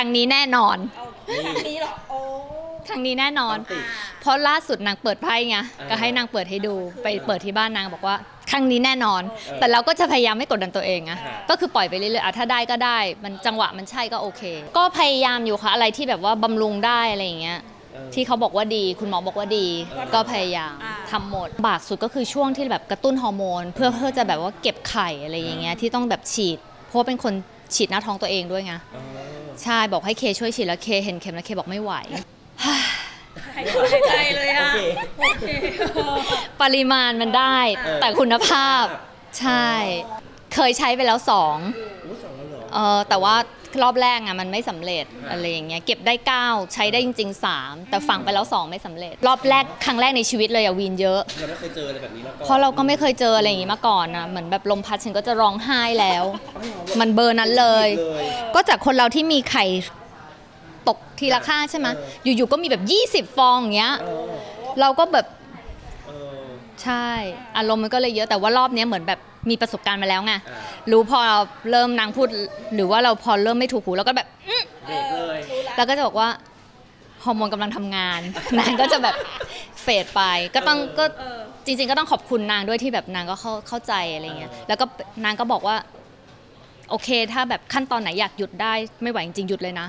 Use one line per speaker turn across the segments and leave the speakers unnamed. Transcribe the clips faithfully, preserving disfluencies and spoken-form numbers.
รั้งนี้แน่นอน
ครั้งนี้เหรอโอ้
ครั้งนี้แน่นอน เพราะล่าสุดนางเปิดไพ่ไงก็ให้นางเปิดให้ดูไปเปิดที่บ้านนางบอกว่าครั้งนี้แน่นอน แต่เราก็จะพยายามไม่กดดันตัวเองอะก็คือปล่อยไปเรื่อยๆถ้าได้ก็ได้มันจังหวะมันใช่ก็โอเคก็พยายามอยู่ค่ะอะไรที่แบบว่าบำรุงได้อะไรอย่างเงี้ยที่เขาบอกว่าดีคุณหมอบอกว่าดีก็พยายามทำหมดบากสุดก็คือช่วงที่แบบกระตุ้นฮอร์โมนเพื่อเพื่อจะแบบว่าเก็บไข่อะไรอย่างเงี้ยที่ต้องแบบฉีดเพราะเป็นคนฉีดหน้าท้องตัวเองด้วยไงใช่บอกให้เคช่วยฉีดแล้วเคเห็นเข็มแล้วเคบอกไม่ไหว
หายใจเลยอะ
ปริมาณมันได้แต่คุณภาพใช่เคยใช้ไปแล้วสองเออแต่ว่ารอบแรกอะมันไม่สำเร็จอะไรอย่างเงี้ยเก็บได้เก้าใช้ได้จริงๆสามแต่ฝังไปแล้วสองไม่สำเร็จรอบแรกครั้งแรกในชีวิตเลยอะวีนเยอะ
เราไม่เคยเจออะไรแบบนี้มาก่อน
เพราะเราก็ไม่เคยเจออะไรอย่างงี้มาก่อนอะเหมือนแบบลมพัดฉันก็จะร้องไห้แล้ว มันเบอร์นั้นเลย ก็จากคนเราที่มีไข่ตกทีละข้างใช่ไหมอยู่ๆก็มีแบบยี่สิบฟองอย่างเงี้ยเราก็แบบใช่อารมณ์มันก็เลยเยอะแต่ว่ารอบนี้เหมือนแบบมีประสบการณ์มาแล้วไงรู้พอเราเริ่มนางพูดหรือว่าเราพอเริ่มไม่ถูกหูเราก็แบบ
เบรกเลย
แล้วก็จะบอกว่าฮอร์โมนกำลังทำงานนางก็จะแบบเฟดไปก็ต้องก็จริงๆก็ต้องขอบคุณนางด้วยที่แบบนางก็เข้าเข้าใจอะไรเงี้ยแล้วก็นางก็บอกว่าโอเคถ้าแบบขั้นตอนไหนอยากหยุดได้ไม่ไหวจริงๆหยุดเลยนะ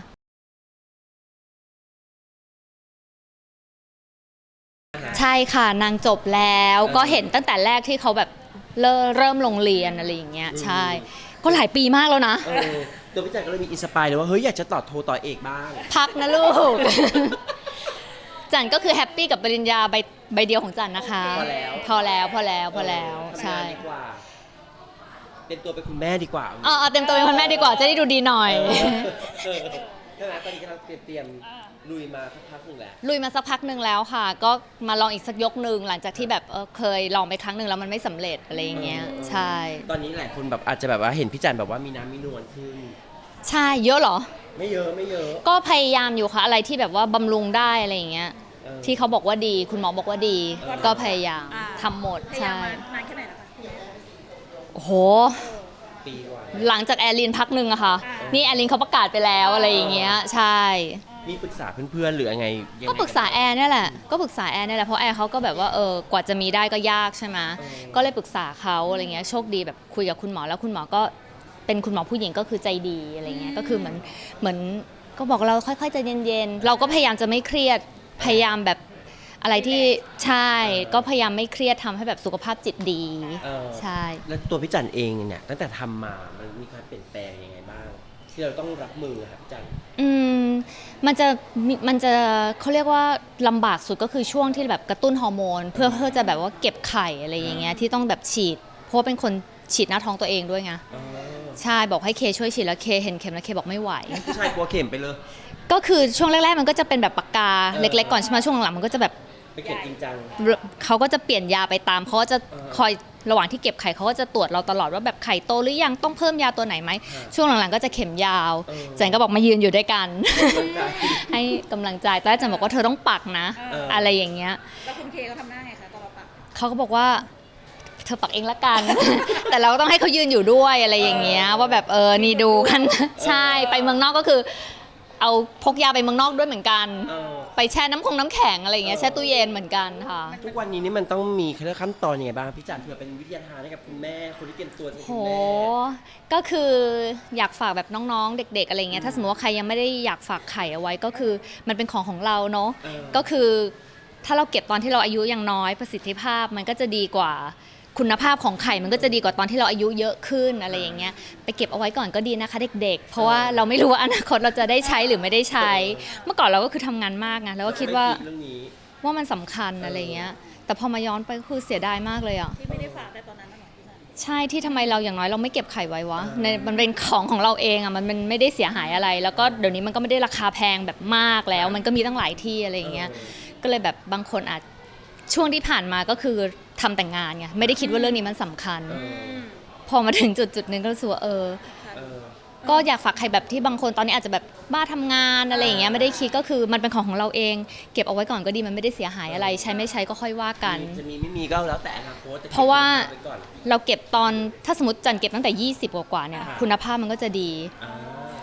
ใช่ค่ะนางจบแล้วก็เห็นตั้งแต่แรกที่เขาแบบเริ่มเริ่มโรงเรียนอะไรอย่างเงี้ยใช่ก็หลายปีมากแล้วนะ
ตัวพี่จันก็เลยมีอินสปายเลยว่าเฮ้ยอยากจะต่อโทต่อเอกบ้าง
พักนะลูกจันก็คือแฮปปี้กับปริญญาใบใบเดียวของจันนะคะพอแล้วพอแล้วพอแล้วพอแล้วใช่
เต็มตัวเป็นคุณแม่ดีกว่า
อ๋อเต็มตัวเป็นคุณแม่ดีกว่าจะได้ดูดีหน่อย
ใช่ไหมตอนนี้กำลังเตรียมเตรียมลุยมาสักพักหนึ่งแล้ว
ลุยมาสักพักหนึ่งแล้วค่ะก็มาลองอีกสักยกหนึ่งหลังจากที่แบบเออเคยลองไปครั้งหนึ่งแล้วมันไม่สำเร็จอะไรอย่างเงี้ยใช่
ตอนนี้หลายคนแบบอาจจะแบบว่าเห็นพี่จันแบบว่ามีน้ำมีนวลขึ้น
ใช่เยอะเหรอ
ไม่เยอะไม่เยอะ
ก็พยายามอยู่ค่ะอะไรที่แบบว่าบำรุงได้อะไรอย่างเงี้ยที่เขาบอกว่าดีคุณหมอบอกว่าดีก็พยายามทำหมดใช่
นานแค่ไหนแล้วคะ
โอ้โห
ปีกว่า
หลังจากแอร์ลินพักหนึ่งอะค่ะนี่แอร์ลินเขาประกาศไปแล้วอะไรอย่างเงี้ยใช่
มีปรึกษาเพื่อนๆหรือยังไง
ก็ปรึกษาแอร์นี่แหละก็ปรึกษาแอร์นี่แหละเพราะแอร์เขาก็แบบว่าเออกว่าจะมีได้ก็ยากใช่ไหมก็เลยปรึกษาเขาอะไรเงี้ยโชคดีแบบคุยกับคุณหมอแล้วคุณหมอก็เป็นคุณหมอผู้หญิงก็คือใจดีอะไรเงี้ยก็คือเหมือนเหมือนก็บอกเราค่อยๆใจเย็นๆเราก็พยายามจะไม่เครียดพยายามแบบอะไรที่ใช่ก็พยายามไม่เครียดทำให้แบบสุขภาพจิตดีใช่
แล้วตัวพี่จันเองเนี่ยตั้งแต่ทำมามันมีการเปลี่ยนแปลงยังไงบ้างที่เราต้องรับมือครับพี่จัน
อืมมันจะมันจะเขาเรียกว่าลำบากสุดก็คือช่วงที่แบบกระตุ้นฮอร์โมนเพื่อเพื่อจะแบบว่าเก็บไข่อะไรอย่างเงี้ยที่ต้องแบบฉีดเพราะเป็นคนฉีดหน้าท้องตัวเองด้วยไงใช่บอกให้เคช่วยฉีดแล้วเคเห็นเข็มแล้วเคบอกไม่ไหว
ผู้ชายกลัวเข็มไปเลย
ก็คือช่วงแรกๆมันก็จะเป็นแบบปากกาเล็กๆก่อนใช่ไหมช่วงหลังๆมันก็จะแบบ
ไปเข็มจริงจัง
เขาก็จะเปลี่ยนยาไปตามเขาก็จะคอยระหว่างที่เก็บไข่เขาก็จะตรวจเราตลอดว่าแบบไข่โตหรือยังต้องเพิ่มยาตัวไหนไหมช่วงหลังๆก็จะเข็มยาวจันก็บอกมายืนอยู่ด้วยกันให้กำลังใจแต่จันบอกว่าเธอต้องปักนะอะไรอย่างเงี้ย
แล้วคุณเคเขาทำหน้าไงคะตอนเราปัก
เขาก็บอกว่าเธอปักเองละกันแต่เราก็ต้องให้เขายืนอยู่ด้วยอะไรอย่างเงี้ยว่าแบบเออนี่ดูกันใช่ไปเมืองนอกก็คือเอาพกยาไปเมืองนอกด้วยเหมือนกันไปแช่น้ำคงน้ำแข็งอะไรอย่างเงี้ยแช่ตู้เย็นเหมือนกันค่ะ
ทุกวันนี้นี่มันต้องมีขั้นตอนยังไงบ้างพี่จันเผื่อเป็นวิทยาทานให้กับคุณแม่คนที่เตรียมตัวจะเป็นคุณแม่
ก็คืออยากฝากแบบน้องๆเด็กๆอะไรเงี้ยถ้าสมมติว่าใครยังไม่ได้อยากฝากไข่เอาไว้ก็คือมันเป็นของของเราเนาะก็คือถ้าเราเก็บตอนที่เราอายุยังน้อยประสิทธิภาพมันก็จะดีกว่าคุณภาพของไข่มันก็จะดีกว่าตอนที่เราอายุเยอะขึ้นอะไรอย่างเงี้ยไปเก็บเอาไว้ก่อนก็ดีนะคะเด็กๆเพราะว่าเราไม่รู้ว่าอนาคตเราจะได้ใช้หรือไม่ได้ใช้เมื่อก่อนเราก็คือทำงานมากไงแล้วก็คิดว่าว่ามันสำคัญอะไรเงี้ยแต่พอมาย้อนไปก็คือเสียดายมากเลยอ่ะ
ที่ไม่ได้ฝากแต่ตอนนั้นนะหรอ
ใช่ที่ทำไมเราอย่างน้อยเราไม่เก็บไข่ไว้วะในมันเป็นของของเราเองอ่ะมันมันไม่ได้เสียหายอะไรแล้วก็เดี๋ยวนี้มันก็ไม่ได้ราคาแพงแบบมากแล้วมันก็มีตั้งหลายที่อะไรอย่างเงี้ยก็เลยแบบบางคนอาจช่วงที่ผ่านมาก็คือทำแต่งงานไงไม่ได้คิดว่าเรื่องนี้มันสำคัญพอมาถึงจุดจุดนึงก็รู้สึกว่าเออก็อยากฝากใครแบบที่บางคนตอนนี้อาจจะแบบบ้าทำงานอะไรอย่างเงี้ยไม่ได้คิดก็คือมันเป็นของของเราเองเก็บเอาไว้ก่อนก็ดีมันไม่ได้เสียหายอะไรใช้ไม่ใช้ก็ค่อยว่ากัน
จะมีไม่มีก็แล้วแต่อนาคต
เพราะว่าเราเก็บตอนถ้าสมมติจันเก็บตั้งแต่ยี่สิบกว่าเนี่ยคุณภาพมันก็จะดี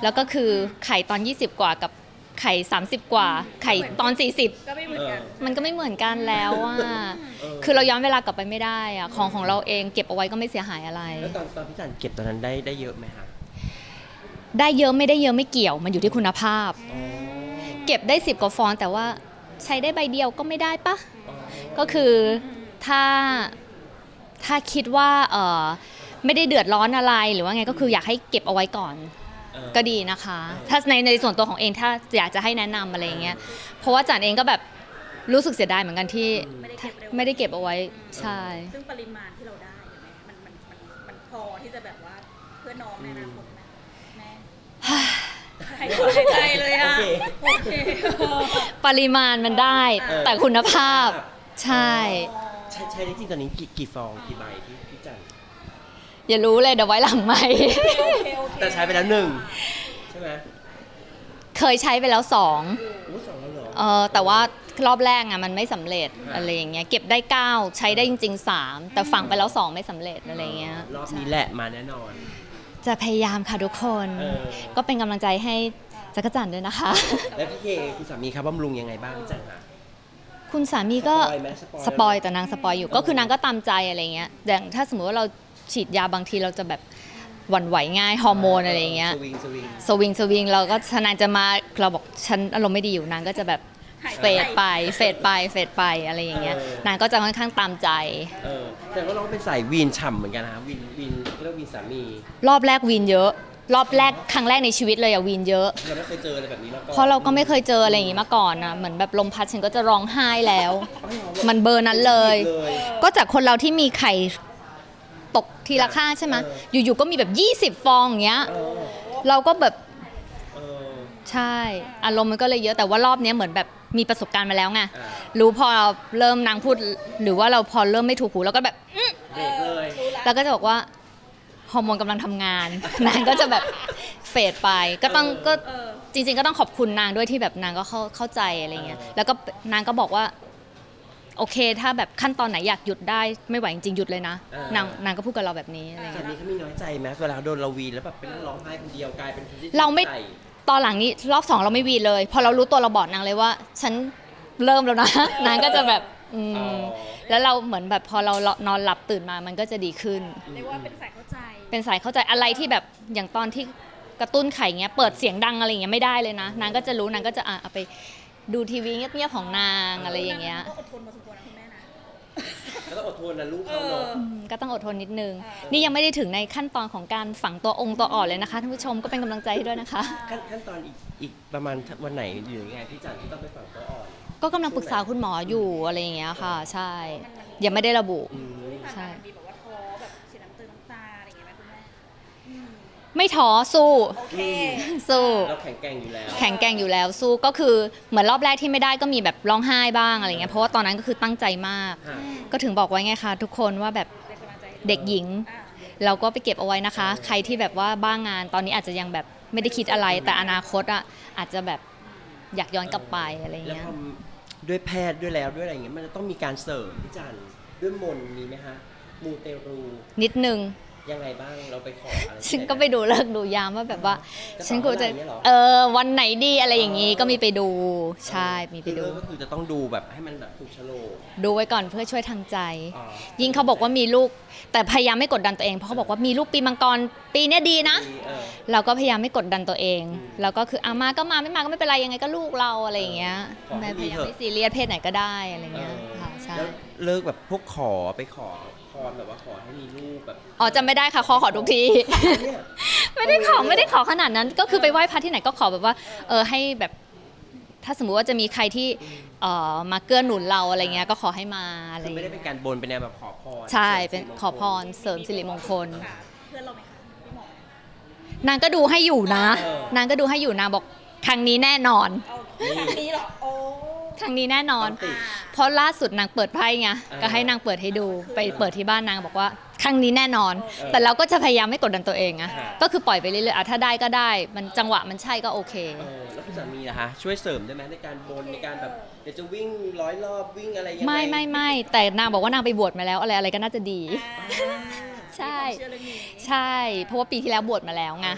แล้วก็คือไข่ตอนยี่สิบกว่ากับไข่สามสิบกว่าไข่ตอนสี่สิบ
ก็ไม่เหมือนกัน
มันก็ไม่เหมือนกันแล้วอ่ะ
เออ
คือเราย้อนเวลากลับไปไม่ได้อ่ะของของเราเองเก็บเอาไว้ก็ไม่เสียหายอะไร
แล้วตอนตอนพี่จันเก็บตอนนั้นได้ได้เยอะไหมคะ
ได้เยอะไม่ได้เยอะไม่เกี่ยวมันอยู่ที่คุณภาพ
อ๋อ
เก็บได้สิบกว่าฟองแต่ว่าใช้ได้ใบเดียวก็ไม่ได้ปะ
อ๋อ
ก็คือถ้าถ้าคิดว่าเออไม่ได้เดือดร้อนอะไรหรือว่าไงก็คืออยากให้เก็บเอาไว้ก่อน
เออ
ก็ดีนะคะ ถ้าในในส่วนตัวของเองถ้าอยากจะให้แนะนำอะไรอย่างเงี้ยเพราะว่าจันเองก็แบบรู้สึกเสียดายเหมือนกันที่
ไม่ได้เก็บเร็ว
ไม่ได้เก็บเอาไว้ใช่
ซึ่งปริมาณที่เราได้เห็นไหมมันมันมันมันพอที่จะแบบว่าเพื่อน้องในอนาคตไหมแม่หายใจเลยอ่ะ
โอเค
โอเค
ปริมาณมันได้
เออ
แต่คุณภาพใช่
ใช้ใช้ได้จริงตอนนี้กี่กี่ฟองกี่ใบพี่พี่จัน
อย่ารู้เลยเดี๋ยวไว้หลังไม่
โอเคโอเค
แต่ใช้ไปแล้วหนึ่งใช่ไหม
เคยใช้ไปแล้วสอง
อู้สองแล้วเหรอ
เออแต่ว่ารอบแรกอะมันไม่สำเร็จอะไรอย่างเงี้ยเก็บได้เก้าใช้ได้จริงๆสามแต่ฝังไปแล้วสองไม่สำเร็จอะไรอย่างเงี้ย
รอบนี้แหละมาแน่นอน
จะพยายามค่ะทุกคน
เออ
ก็เป็นกำลังใจให้จักรจันทร์ด้วยนะคะ
แล้วพี่เคคุณสามีครับบำรุงยังไงบ้างพี่จันคะ
คุณสามีก็
สปอยไหมสปอย
สปอยแต่นางสปอยอยู่ก็คือนางก็ตามใจอะไรเงี้ยอย่างถ้าสมมติว่าเราฉีดยาบางทีเราจะแบบหวั่นไหวง่ายฮอร์โมนอะไรอย่างเงี้ย
สวิงสวิง
สวิงสวิงเราก็นางจะมาเราบอกฉันอารมณ์ไม่ดีอยู่นางก็จะแบบ
หาย
เฟดไปเฟดไปเฟดไปอะไรอย่างเงี้ยนางก็จะค่อนข้างตามใจ
เออแต่ว่าเราเป็นสายวีนฉ่ำเหมือนกันนะครับวีนวีนเรียกวีนสามี
รอบแรกวีนเยอะ รอบแรกครั้งแรกในชีวิตเลยอะวีนเยอะ
เราไม่เคยเจออะไรแบบนี้มาก่อน
เพราะเราก็ไม่เคยเจออะไรอย่างงี้มาก่อนนะเหมือนแบบลมพัดฉันก็จะร้องไห้แล้ว
อ๋อเหรอ
มันเบอร์นั้นเลย
เลย
ก็จากคนเราที่มีไข่ตกทีละข้างใช่ไหม
เอ
อยู่ๆก็มีแบบยี่สิบฟองอย่างเงี้ย
เออ
เราก็แบบ
เออ
ใช่อารมณ์มันก็เลยเยอะแต่ว่ารอบเนี้ยเหมือนแบบมีประสบการณ์มาแล้วไง
อ่า
รู้พอเราเริ่มนางพูดหรือว่าเราพอเริ่มไม่ถูกหูเราก็แบบอื้อ
เบรกเลย
รู้ละ
เราก็จะบอกว่าฮอร์โมนกำลังทำงาน นางก็จะแบบเฟดไปก็ต้องก็
เออ
จริงๆก็ต้องขอบคุณนางด้วยที่แบบนางก็เข้าเข้าใจอะไรเงี้ยแล้วก็นางก็บอกว่าโอเคถ้าแบบขั้นตอนไหนอยากหยุดได้ไม่ไหวจริงๆหยุดเลยนะนางนางก็พูดกับเราแบบนี้อะไร
สา
เงี้ย
มีเขามีน้อยใจไหมเวลาโดนเราวีนแล้วแบบเป็นร้องไห้คนเดียวกลายเป็นคนที่
เราไม่
ใส่
ตอนหลังนี้รอบสองเราไม่วีนเลย พอเรารู้ตัวเราบอกนางเลยว่า ฉันเริ่มแล้วนะ นางก็จะแบบอื
อ๋อ
มแล้วเราเหมือนแบบพอเรานอนหลับตื่นมามันก็จะดีขึ้น
เรียกว่าเป็นสายเข้าใจ
เป็นสายเข้าใจอะไรที่แบบอย่างตอนที่กระตุ้นไข่เงี้ยเปิดเสียงดังอะไรเงี้ยไม่ได้เลยนะนางก็จะรู้นางก็จะอ่ะเอาไปดูทีวีเงียบๆของนางอะไรอย่างเงี้ย
ก็อดทนมาสมควรนะคุณแม่นะ
แล้วต้องอดทนนะลูกเขาเนาะ
อืมก็ต้องอดทนนิดนึง
อ่านี่
นี่ยังไม่ได้ถึงในขั้นตอนของการฝังตัวองค์ตัวอ่อนเลยนะคะท่านผู้ชมก็เป็นกำลังใจให้ด้วยนะคะ
ขั้นขั้นตอนอีกอีกประมาณวันไหนหรือยังไงพี่จันที่ต้องไปฝังตัวอ่อน
ก็กำลังปรึกษาคุณหมออยู่อะไรอย่างเงี้ยค่ะ ใช่ ยังไม่ได้ระบุ
อืม
ใช่มีแบบว่าท้อแบบเสียน้ำตาน้ำตาอะไรอย่างเงี้ยไหมคุณแม่อืม
ไม่ท้อสู้
โอเค
สู้
เราแข็งแกร่งอยู่แล้ว
แข็งแกร่งอยู่แล้วสู้ก็คือเหมือนรอบแรกที่ไม่ได้ก็มีแบบร้องไห้บ้างอะไรเงี้ยเพราะว่าตอนนั้นก็คือตั้งใจมาก
ค่ะ
ก็ถึงบอกไว้ไงคะทุกคนว่าแบบ
เป็นกำลังใจให้
เด็กหญิง
อ่ะ
เราก็ไปเก็บเอาไว้นะคะ ใครที่แบบว่าบ้างงานตอนนี้อาจจะยังแบบไม่ได้คิดอะไร แต่อนาคตอ่ะอาจจะแบบอยากย้อนกลับไปอะไร
แล้ว
เงี้ย
พอด้วยแพทย์ด้วยแล้วด้วยอะไรอย่างเงี้ยมันจะต้องมีการเสริมพี่จันด้วยมนต์มีไหมฮะมูเตรู
นิดนึง
ยังไงบ้างเราไปขออะไร
ฉันก็ไปดูเลิกษ์ดูยามว่าแบบว่า
จะ
ฉันกูจะ
ขออะไรอย่างเงี้ยเหรอ
เออวันไหนดีอะไรอย่างงี้ก็มีไปดูใช่มีไปดู
คือก็คือจะต้องดูแบบให้มันแบบถูกโฉลก
ดูไว้ก่อนเพื่อช่วยทางใจ
อ๋อ
ยิ่งเขาบอกว่ามีลูกแต่พยายามไม่กดดันตัวเองเพราะเขาบอกว่ามีลูกปีมังกรปีเนี้ยดีนะ
เออ
เราก็พยายามไม่กดดันตัวเอง
อืม
แล้วก็คืออามาก็มาไม่มาก็ไม่เป็นไรยังไงก็ลูกเราอะไรอย่างเงี้ย
ขอให้
แม่พ
ดี
ยายาม
เถอะ
ไม่ซีเรียสเพศไหนก็ได้อะไรเงี้ย
เออ
ค่ะใช่
แล้วเลิกแบบพวกขอไปขอพรแบบว่าขอให้มีลูกแบบ
อ๋อจำไม่ได้ค่ะขอขอทุกที
เนี่ย
ไม่ได้ขอไม่ได้ขอขนาดนั้น ก็คือไปไหว้พระที่ไหนก็ขอแบบว่าเออให้แบบถ้าสมมุติว่าจะมีใครที่เอ่อมาเกื้อหนุนเราอะไรเงี้ยก็ขอให้มาอะไร
คือไม่ได้
เงี้ย
เป็นการบนเป็นแนวแบบขอพร
ใช่เป็น
สริมงคล
ขอพรเสริมสิริมงคล
ค่ะเพื่อนเราไหมคะพี่หมอ
นางก็ดูให้อยู่นะ
เออ
นางก็ดูให้อยู่นางบอกครั้งนี้แน่นอน
เอาทางนี้เหรอโอ้
ครั้งนี้แน่นอน
ต้องติด
เพราะล่าสุดนางเปิดไพ่ไง
เออ
ก็ให้นางเปิดให้ดูไปเปิดที่บ้านนางบอกว่าครั้งนี้แน่นอน
เออ
แต่เราก็จะพยายามไม่กดดันตัวเองอะ
ค่ะ
ก็คือปล่อยไปเรื่อยๆอ่ะถ้าได้ก็ได้ มันจังหวะมันใช่ก็โอเค
เออแล้วคุณสามีล่ะคะช่วยเสริมได้ไหมในการบนในการแบบเดี๋ยวจะวิ่งร้อยรอบวิ่งอะไรยังไง
ไม่ไม่ไม่แต่นางบอกว่านางไปบวชมาแล้วอะไรอะไรก็น่าจะดี
อ่า
ใช่
มีความเชื่อเรื่องนี้
ใช่ เพราะว่าปีที่แล้วบวชมาแล้วไง
เออ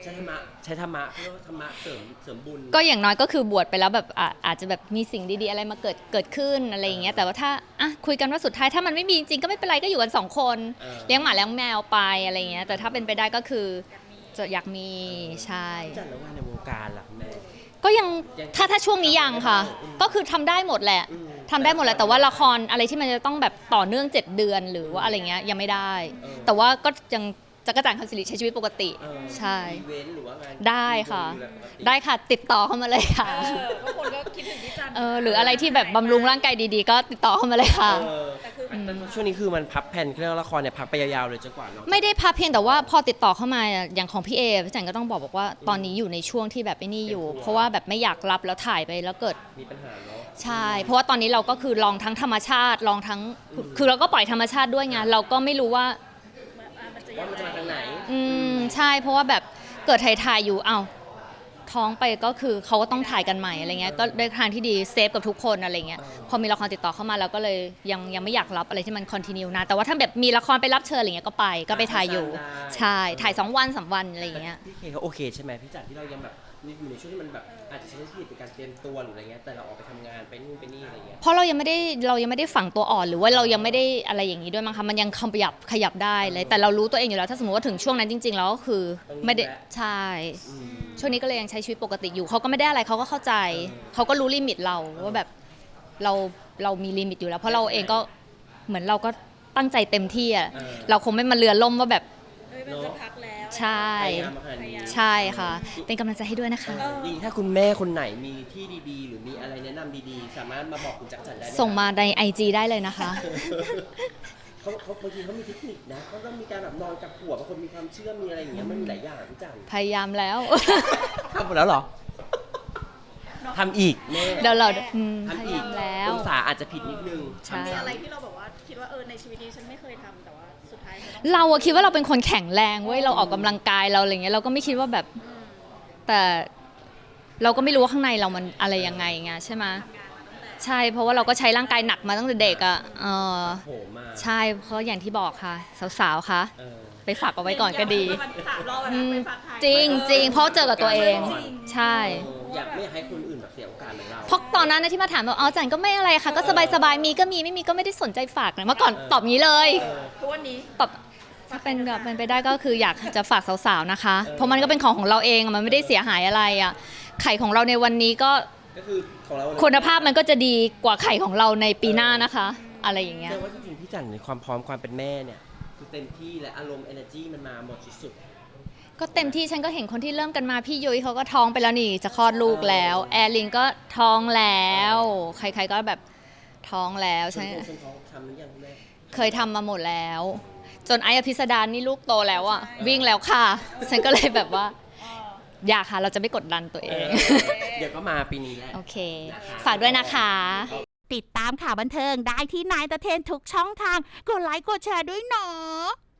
ใช้ธรรมะใช้ธรรมะเพื่อธรรมะเสริมเสริมบุญ
ก็อย่างน้อยก็คือบวชไปแล้วแบบอ่ะอาจจะแบบมีสิ่งดีๆอะไรมาเกิดเกิดขึ้นอะไรอย่างเงี้ยแต่ว่าถ้าอ่ะคุยกันว่าสุดท้ายถ้ามันไม่มีจริงๆก็ไม่เป็นไรก็อยู่กันสองคน
เออ
เลี้ยงหมาเลี้ยงแมวไปอะไรอย่างเงี้ยแต่ถ้าเป็นไปได้ก็คือจะอยากมีใช่
จัดแล้วว่าในวงการล่ะคุณแม่
ก็ยัง
ยัง
ถ้าถ้าช่วงนี้ยังค่ะ
อืม
ก็คือทำได้หมดแหละ
อืม
ทำได้หมดแหละแต่ว่าละครอะไรที่มันจะต้องแบบต่อเนื่องเจ็ดเดือนหรือว่าอะไรเงี้ยยังไม่ได้
เออ
แต่ว่าก็ยังจักรจันทร์คำสิริใช้ชีวิตปกติ
เออ
ใช่
อีเวนต์หรือว่างาน
ได้ค่ะ
ดูแลปกติ
ได้ค่ะติดต่อเข้ามาเลยค่ะ
เออก็คนก็คิดถึงพี่จัน
เออหรืออะไรที่แบบบำรุงร่างกายดีๆ ก็ติดต่อเข้ามาเลยค่ะ
เออ
แต่คือ
แต่ช่วงนี้คือมันพับแผ่นเรื่องละครเนี่ยพักไปยาวๆเลยจนกว่าเนาะ
ไม่ได้พักเพียงแต่ว่าพอติดต่อเข้ามาอย่างของพี่เอพี่จันก็ต้องบอกบอกว่าตอนนี้อยู่ในช่วงที่แบบไอ้นี่อยู่ เพราะว่าแบบไม่อยากรับแล้วถ่ายไปแล้วเกิด
มีปัญหาเนาะ
ใช่ เพราะว่าตอนนี้เราก็คือลองทั้งธรรมชาติลองทั้งคือเราก็ปล่อยธรรมชาติด้วยไงเราก็ไม่รู้ว่า
มันจะ
ว่ามันจะมาทางไหน
อืมใช่เพราะว่าแบบเกิดถ่ายๆอยู่อ้าวท้องไปก็คือเขาก็ต้องถ่ายกันใหม่อะไรเงี้ยก็ได้ทางที่ดีเซฟกับทุกคนอะไรเงี้ย
เออ
พอมีละครติดต่อเข้ามาเราก็เลยยังยังไม่อยากรับอะไรที่มันคอนติเนียนะแต่ว่าถ้าแบบมีละครไปรับเชิญอะไรเงี้ยก็ไปก็ไปถ่ายอยู่ ใช่ถ่ายสองวันสามวันอะไรอย่างเงี้ย
พี่เคเขาโอเคใช่ไหมพี่จัดที่เรายังแบบอยู่ในช่วงที่มันแบบอาจจะใช้ชีวิตในการเตรียมตัวหรืออะไรเงี้ยแต่เราออกไปทำงานไปนู่นไปนี่อะไรเงี้ย
เพราะเรายังไม่ได้เรายังไม่ได้ฝังตัวอ่อนหรือว่าเรายังไม่ได้อะไรอย่างนี้ด้วยมั้งคะมันยังขยับขยับได้เลย แต่เรารู้ตัวเองอยู่แล้วถ้าสมมติว่าถึงช่วงนั้นจริง ๆ แล้วก็คือไม่ได้ใช่
อืม
ช่วงนี้ก็เลยยังใช้ชีวิตปกติอยู่เขาก็ไม่ได้อะไรเขาก็เข้าใจ
เออ
เขาก็รู้ลิมิตเราว่าแบบเราเรามีลิมิตอยู่แล้ว เพราะเราเองก็เหมือนเราก็ตั้งใจเต็มที่อะ
เออ
เราคงไม่มาเรือล่มว่าแบบ
เอ้ยมันจะพักแล้ว
ใช่
พยายามมาขนาดนี้
ใช่ค่ะ เป็นกำลังใจให้ด้วยนะคะ
ดีถ้าคุณแม่คนไหนมีที่ดีๆ หรือมีอะไรแนะนำดีๆ สามารถมาบอกคุณจักรจันทร์ได้ไห
ส่งมาในไอจีได้เลยนะคะ
เขาเขาบางทีเขามีเทคนิคนะเขาต้องมีการแบบนอนกับหัวบางคนมีความเชื่อมีอะไรอย่างเงี้ยมันมีหลายอย่างพี่จันทร์
พยายามแล้ว
ทำหมดแล้วเหรอทำอีกแม่
เดี๋ยวเราอืมพ
ทำ
ยา
อี
ยาก มแล้ว
องศาอาจจะผิดนิดนึง
ใช่
มีอะไรที่เราแบบว่าคิดว่าเออในชีวิตนี้ฉันไม่เคยทำแต่ว่าสุดท้ายฉันต้อง
เราอะคิดว่าเราเป็นคนแข็งแรงเว้ยเราออกกำลังกายเราอะไรเงี้ยเราก็ไม่คิดว่าแบบ
อืม
แต่เราก็ไม่รู้ว่าข้างในเรามันอะไรยังไงไงใช่ไหม
ทำงานมาตั้งแต่
ใช่เพราะว่าเราก็ใช้ร่างกายหนักมาตั้งแต่เด็กอะเออ
โหมา
ใช่เพราะอย่างที่บอกค่ะ สาวๆคะ
เออ
ไปฝากเอาไว้ก่อนก็ดี
มันสามรอบแล้ว
อื
นะ
ม
ไปฝากใคร
จริงจริงเพราะเจอกับตัวเอง
จริง
ใช่
เอออยากไม่อยากให้คนอื่นแบบเสียโอกาสเหมือนเรา
เพราะตอนนั้นนะที่มาถามว่าอ๋อจันก็ไม่อะไรค่ะ ก็สบายๆมีก็มีไม่มีก็ไม่ได้สนใจฝากนะเมื่อก่อนตอบงี้เลย
เออ
ทุกวันนี้
ตอบถ้าเป็นแบบเป็นไปได้ก็คืออยากจะฝากสาวๆนะคะ เพราะมันก็เป็นของของเราเองอะมันไม่ได้เสียหายอะไรอ่ะไข่ของเราในวันนี้ก็
ก็คือของเรา
คุณภาพมันก็จะดีกว่าไข่ของเราในปีหน้านะคะ อะไรอย่างเงี้ย
แสดงว่าจริงๆพี่จันในความพร้อมความเป็นแม่เนี่ยคือเต็มที่และอารมณ์ energy มันมาหมดสุด
ก็เต็มที่ฉันก็เห็นคนที่เริ่มกันมาพี่ยุ้ยเขาก็ท้องไปแล้วนี่จะคลอดลูกแล้ว แอร์ลินก็ท้องแล้ว ใครๆก็แบบท้องแล้ว
ๆ
ใช่
ชนท้องทำหรือยังคุณแม่
เคยทำมาหมดแล้ว จนไอ้อภิสดารนี่ลูกโตแล้วอะวิ่งแล้วค่ะ ฉันก็เลยแบบว่า
อ๋อ
อยากค่ะเราจะไม่กดดันตัวเอง
เดี๋ยวก็มาปีนี้แหละ
โอเค ฝากด้วยนะคะ
ติดตามข่าวบันเทิงได้ที่นายตะเทนทุกช่องทาง กดไลค์กดแชร์ด้วยเนาะ